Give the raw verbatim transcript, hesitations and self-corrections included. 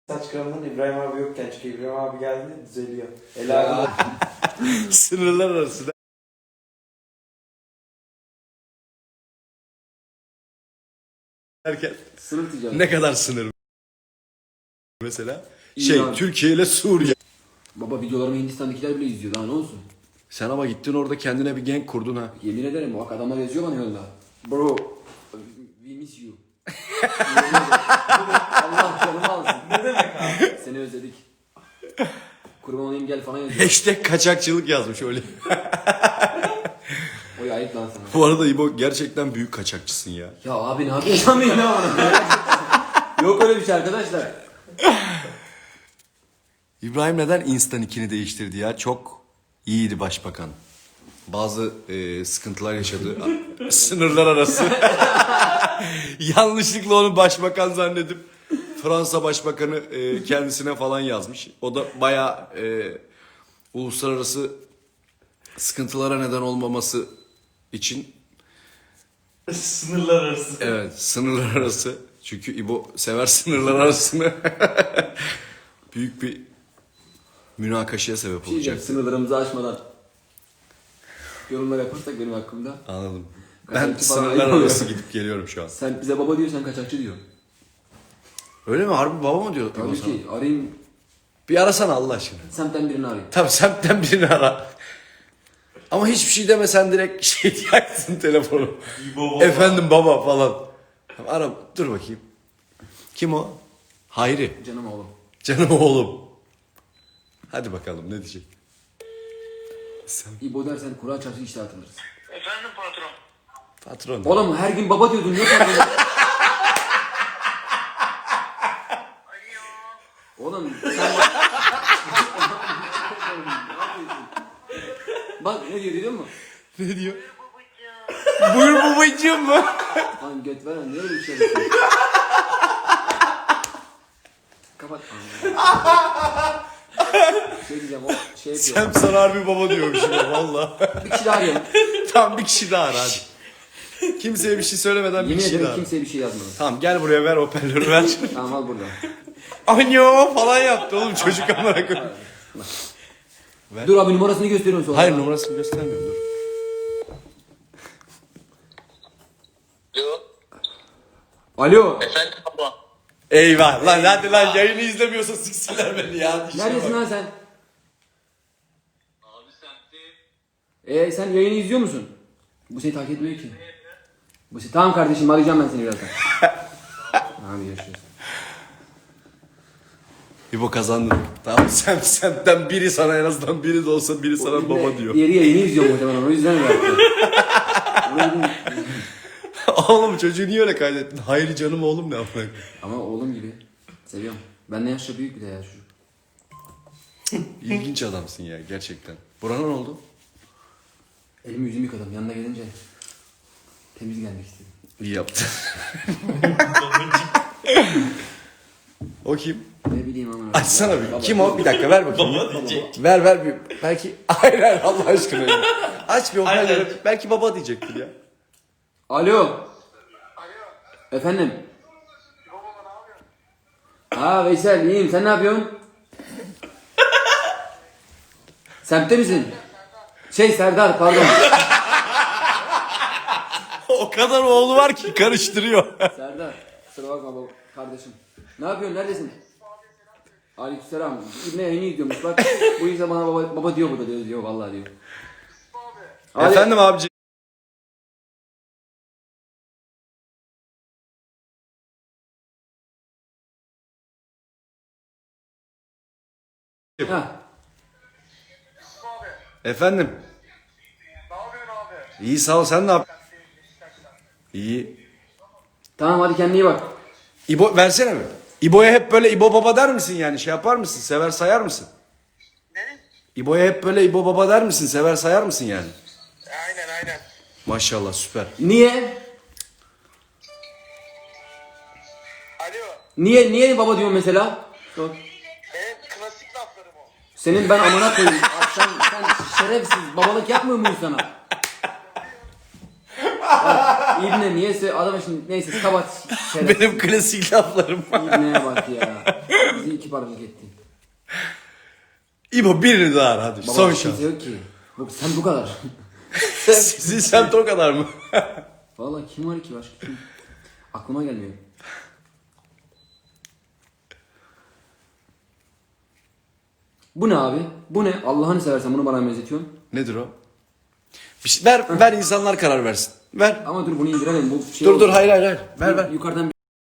Saç kremden İbrahim abi yokken çünkü İbrahim abi geldi düzeliyor. Ela abi. Sınırlar arası derken Sınır ticareti. ne kadar sınır mesela? İran. Şey Türkiye ile Suriye. Baba videolarımı Hindistan'dakiler bile izliyor, daha ne olsun? Sen ama gittin orada kendine bir genk kurdun ha. Yemin ederim bak adamlar yazıyor bana yolda. Bro, we miss you. Yemin ederim. Allah canımı alsın. Ne demek abi? Seni özledik. Kurban olayım gel falan yazıyor. Hashtag kaçakçılık yazmış öyle. Oy ayıp lan sana. Bu arada İbo gerçekten büyük kaçakçısın ya. Ya abi ne yapıyorsun lan benim ona? Yok öyle bir şey arkadaşlar. İbrahim neden Insta nickini değiştirdi ya? Çok iyiydi başbakan. Bazı e, sıkıntılar yaşadı. Sınırlar arası. Yanlışlıkla onu başbakan zannedip Fransa başbakanı e, kendisine falan yazmış. O da bayağı e, uluslararası sıkıntılara neden olmaması için Sınırlar arası. evet sınırlar arası. Çünkü İbo sever sınırlar arasını. Büyük bir münakaşaya sebep Bir şey diyeceğim, olacak. sınırlarımızı aşmadan yorumlar yaparsak benim hakkımda. Anladım. Ben Kaçakçı falan sınırlar ayıp arası oluyor. gidip geliyorum şu an. Sen bize baba diyor, sen kaçakçı diyor. Öyle mi? Harbi baba mı diyor İbo Tabii sana? ki arayayım, Bir arasana Allah aşkına. semtten birini arayayım. Tabii semtten birini ara. Ama hiçbir şey demesen direkt şey diyaksın telefonu. İbo baba. Efendim baba falan. Tamam, ara dur bakayım. Kim o? Hayri. Canım oğlum. Canım oğlum. Hadi bakalım ne diyecek? Sen İbo dersen Kur'an çarşı işte atılırız. Efendim patron. patron. Oğlum her gün baba diyordun, niye sen böyle? Alo. Oğlum sen bak. Bak ne diyor biliyor musun? Ne diyor? Babacığım. Buyur babacığım mı? Lan göt veren niye öyle bir şey yapıyorsun? Kapat. Şey diyeceğim, o şey yapıyor. Sen sana harbi baba diyormuşum ya valla. Bir kişi daha arayalım. Tamam bir kişi daha ara hadi. Kimseye bir şey söylemeden bir Yemin kişi daha ederim ara. kimseye bir şey yazmadım. Tamam gel buraya ver hoparlörü ver. Tamam al burada. Anyo falan yaptı oğlum çocuk amına koyayım. Dur abi numarasını gösteriyorum sonra. Hayır numarasını göstermiyorum dur. Alo. Alo. Efendim baba. Eyvah lan hadi lan yayını izlemiyorsa siksinler beni ya. İşe Neredesin bak. lan sen? Abi semtteyim. Ee sen yayını izliyor musun? Bu seni takip etmiyor ki. Bu seni... Tamam kardeşim arayacağım ben seni birazdan. Abi görüşürüz. İbo kazandın. Tamam sen senden biri sana en azından biri de olsa biri sana baba diyor. Diğeri yayını izliyor muhtemelen, o yüzden öyle yaptı. Oğlum çocuğu niye öyle kaydettin? Hayır canım oğlum ne yapmak? Ama oğlum gibi. Seviyorum. Benden yaşça büyük bir de ya çocuk. İlginç adamsın ya gerçekten. Burana ne oldu? Elimi yüzümü yıkadım, yanına gelince temiz gelmek istedim. İyi yaptın. O kim? Ne bileyim ama. Açsana bir. Baba. Kim o? Bir dakika ver bakayım. Baba diyecek. Ver ver bir. Belki hayır hayır Allah aşkına. ya. Aç bir Aynen. hoparlörü. Belki baba diyecektir ya. Alo. Alo. Efendim. Baba ne yapıyorsun? Ha Veysel iyiyim, sen ne yapıyorsun? Semtte misin? Şey Serdar pardon. O kadar oğlu var ki karıştırıyor. Serdar kusura bakma baba kardeşim. Ne yapıyorsun, neredesin? Aleykümselam. İbne yayını izliyormuş bak. Bu yüzden bana baba, baba diyor burada diyor, diyor vallahi diyor. Hadi. Efendim abici. Ha. Abi. Efendim. Ne yapıyorsun abi? İyi sağ ol sen ne yap? İyi. Tamam hadi kendine iyi bak. İbo versene mi? İbo'ya hep böyle İbo baba der misin yani şey yapar mısın? Sever sayar mısın? Ne? İbo'ya hep böyle İbo baba der misin? Sever sayar mısın yani? Aynen aynen. Maşallah süper. Niye? Alo. Niye niye baba diyorsun mesela? Sor. Benim klasik laflarım o. Senin ben amına koyayım. Abi sen, sen şerefsiz babalık yapmıyor muyum sana? Bak, İbne niyeyse adam şimdi neyse kapat şerefsiz. Benim klasik laflarım. İbne'ye bak ya. Bizi iki kibarlık ettin. İbo birini daha ara hadi. Baba Son kimse şans. yok ki. Bu, sen bu kadar. Sizin semt o kadar mı? Vallahi kim var ki başka kim? Aklıma gelmiyor. Bu ne abi? Bu ne? Allah'ını seversen bunu bana benzetiyorsun. Nedir o? Bir şey, ver ver insanlar karar versin. Ver. Ama dur bunu indirelim. Bu şey Dur oldu. dur hayır hayır hayır. Ver ver. Yukarıdan